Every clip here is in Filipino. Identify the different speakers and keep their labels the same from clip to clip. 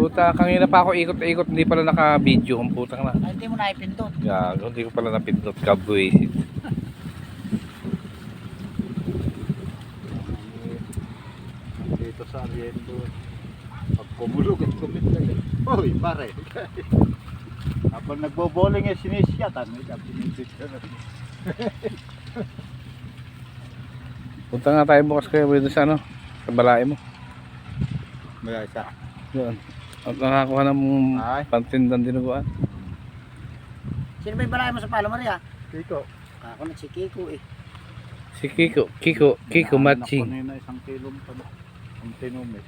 Speaker 1: Puta, kanina pa ako ikot-ikot, hindi pala naka-video ang putang na.
Speaker 2: Ay, hindi mo na ipindot.
Speaker 1: Gago, hindi ko pala napindot, kabuisit.
Speaker 3: Dito sa Ariendo. Pag kumulog at kumit na yun. Hoy, pare. Habang nagbo-bowling yung sinisyatan, may kapinisit ka na.
Speaker 1: Punta nga tayo bukas kayo dito sa ano, sa balay mo.
Speaker 3: May isa.
Speaker 1: Yun. At nakakuha ng
Speaker 3: Ay.
Speaker 1: pantindang dinuguan.
Speaker 2: Sino ba yung balay mo sa Palo Maria?
Speaker 3: Kiko.
Speaker 2: Ako na si Kiko eh.
Speaker 1: Si Kiko matching.
Speaker 3: Ako na isang kilong pa. Ang tinumis.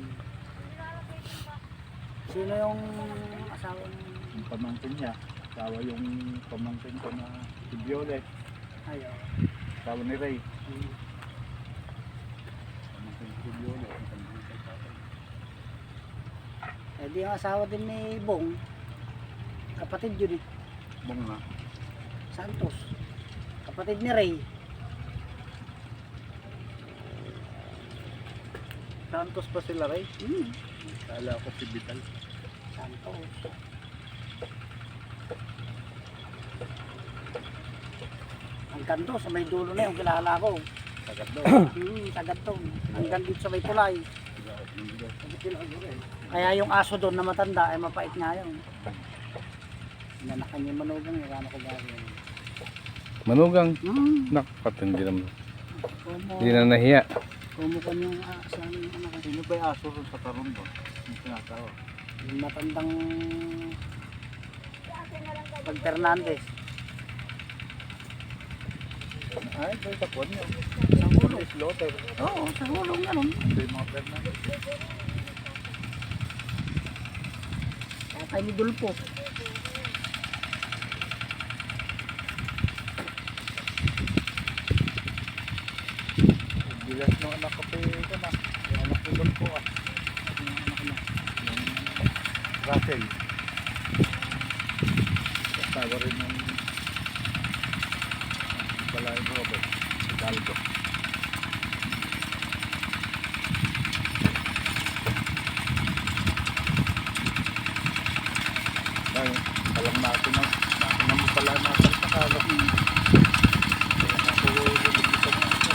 Speaker 2: Sino yung asawa ng...
Speaker 3: Yung pamangkin niya. Asawa yung pamangkin ko na si Violet.
Speaker 2: Ayaw.
Speaker 3: Asawa ni Ray. Pamangkin si Violet.
Speaker 2: Eh di yung asawa din ni Bong. Kapatid yun eh.
Speaker 3: Bong na.
Speaker 2: Santos. Kapatid ni Ray.
Speaker 3: Santos pa sila Ray?
Speaker 2: Hmm.
Speaker 3: Kala ko si Vital.
Speaker 2: Santos. Ang kanto sa may dulo na yung kilala ko.
Speaker 3: Sagad daw.
Speaker 2: Sagad to. Hanggang dito sa may tulay. Kaya yung aso doon na matanda ay mapait nga yun. Nanakan yung manugang, nagano ko gagawin.
Speaker 1: Manugang. Nakapatindi naman. Hindi na nahiya.
Speaker 2: Kumukan yung asan anak ko.
Speaker 3: Sino ba yung aso ron sa karon ba? Yung sinatawa.
Speaker 2: Yung matandang Pag Fernandez.
Speaker 3: Ay, ito yung tapuan niyo.
Speaker 2: Isang ulo.
Speaker 3: Slaughter.
Speaker 2: Oo, sa hulong ganun.
Speaker 3: Ito yung mga Fernandez.
Speaker 2: Tatay ni Dulpo.
Speaker 3: Bilas ng anak ko pa yun na. Yung anak ko doon po ah.
Speaker 2: Yung anak niya.
Speaker 3: Yung Russell. Tawa rin yung balay mo ba? Hidalgo. Ay, palang natin na. Natin naman pala natin sa kalap. Kaya ako lulubitan na ito.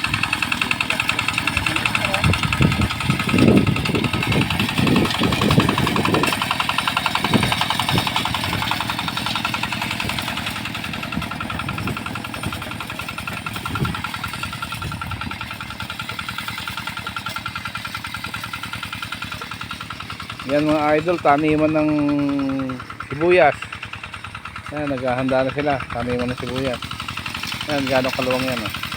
Speaker 1: Yan mga idol, taniman ng sibuyas. Yan, naghahanda na sila. Taniman ng sibuyas. Yan, gano'ng kaluwang yan. Oh.